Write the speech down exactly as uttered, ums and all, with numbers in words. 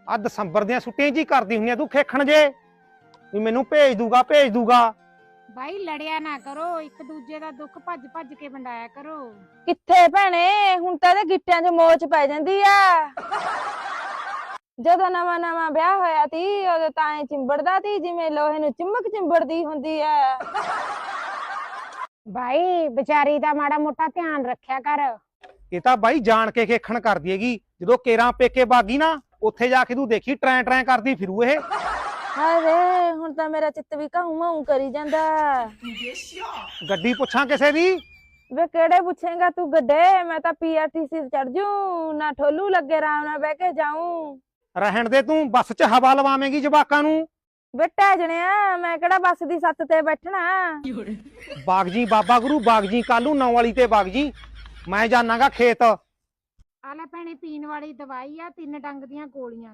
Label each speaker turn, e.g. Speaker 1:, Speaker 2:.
Speaker 1: ਆ ਦਸੰਬਰ ਦੀਆਂ ਛੁੱਟੀਆਂ ਜੀ ਕਰਦੀ ਹੁੰਨੀ ਆ ਤੂੰ ਖੇਖਣ ਜੇ ਵੀ ਮੈਨੂੰ ਭੇਜ ਦੂਗਾ ਭੇਜ ਦੂਗਾ।
Speaker 2: ਬਾਈ ਲੜਿਆ ਨਾ ਕਰੋ, ਇੱਕ ਦੂਜੇ ਦਾ ਦੁੱਖ ਭੱਜ ਭੱਜ ਕੇ ਵੰਡਾਇਆ ਕਰੋ।
Speaker 3: ਕਿੱਥੇ ਭੈਣੇ, ਹੁਣ ਤਾਂ ਇਹਦੇ ਗਿੱਟਿਆਂ 'ਚ ਮੋਚ ਪੈ ਜਾਂਦੀ ਆ। ਜਦੋਂ ਨਵਾਂ ਨਵਾਂ ਵਿਆਹ ਹੋਇਆ ਤੀ ਉਦੋਂ ਤਾਂ ਐ ਚਿੰਬੜਦਾ ਤੀ ਜਿਵੇਂ ਲੋਹੇ ਨੂੰ ਚਿੰਮਕ ਚਿੰਬੜਦੀ ਹੁੰਦੀ ਆ।
Speaker 2: ਬਾਈ ਵਿਚਾਰੀ ਦਾ ਮਾੜਾ ਮੋਟਾ ਧਿਆਨ ਰੱਖਿਆ ਕਰ।
Speaker 1: ਇਹ ਤਾਂ ਬਾਈ ਜਾਣ ਕੇ ਖੇਖਣ ਕਰਦੀ ਹੈਗੀ, ਜਦੋਂ ਕੇਰਾਂ ਪੇਕੇ ਬਾਗੀ ਨਾ ਉੱਥੇ ਜਾ ਕੇ ਤੂੰ ਦੇਖੀ ਟਰੈਂ ਟਰੈਂ ਕਰਦੀ ਫਿਰੂ ਇਹ।
Speaker 3: ਹਾਏ ਵੇ, ਹੁਣ ਤਾਂ ਮੇਰਾ ਚਿੱਤ ਵੀ ਘਾਉ ਮਾਉ ਕਰੀ ਜਾਂਦਾ।
Speaker 1: ਗੱਡੀ ਪੁੱਛਾਂ ਕਿਸੇ ਦੀ?
Speaker 3: ਵੇ ਕਿਹੜੇ ਪੁੱਛੇਗਾ ਤੂੰ ਗੱਡੇ, ਮੈਂ ਤਾਂ ਪੀਆਰਟੀਸੀ ਚੜ ਜੂ ਨਾ, ਠੋਲੂ ਲੱਗੇ ਆਰਾਮ ਨਾਲ ਬਹਿ ਕੇ ਜਾਊਂ।
Speaker 1: ਰਹਿਣ ਦੇ ਤੂੰ, ਬੱਸ 'ਚ ਹਵਾ ਲਵਾਵੇਂਗੀ ਜਵਾਕਾਂ ਨੂੰ।
Speaker 3: ਵੇ ਢਹਿ, ਮੈਂ ਕਿਹੜਾ ਬੱਸ ਦੀ ਸੱਤ ਤੇ ਬੈਠਣਾ।
Speaker 1: ਬਾਗ ਜੀ ਬਾਬਾ ਗੁਰੂ, ਬਾਗ ਜੀ ਕੱਲੂ ਨੌ ਵਾਲੀ ਤੇ ਬਾਗ ਜੀ, ਮੈਂ ਜਾਣਾਗਾ ਖੇਤ।
Speaker 2: ਆ ਲੈ ਭੈਣੇ ਪੀਣ ਵਾਲੀ ਦਵਾਈ ਆ, ਤਿੰਨ ਡੰਗ ਦੀਆਂ ਗੋਲੀਆਂ।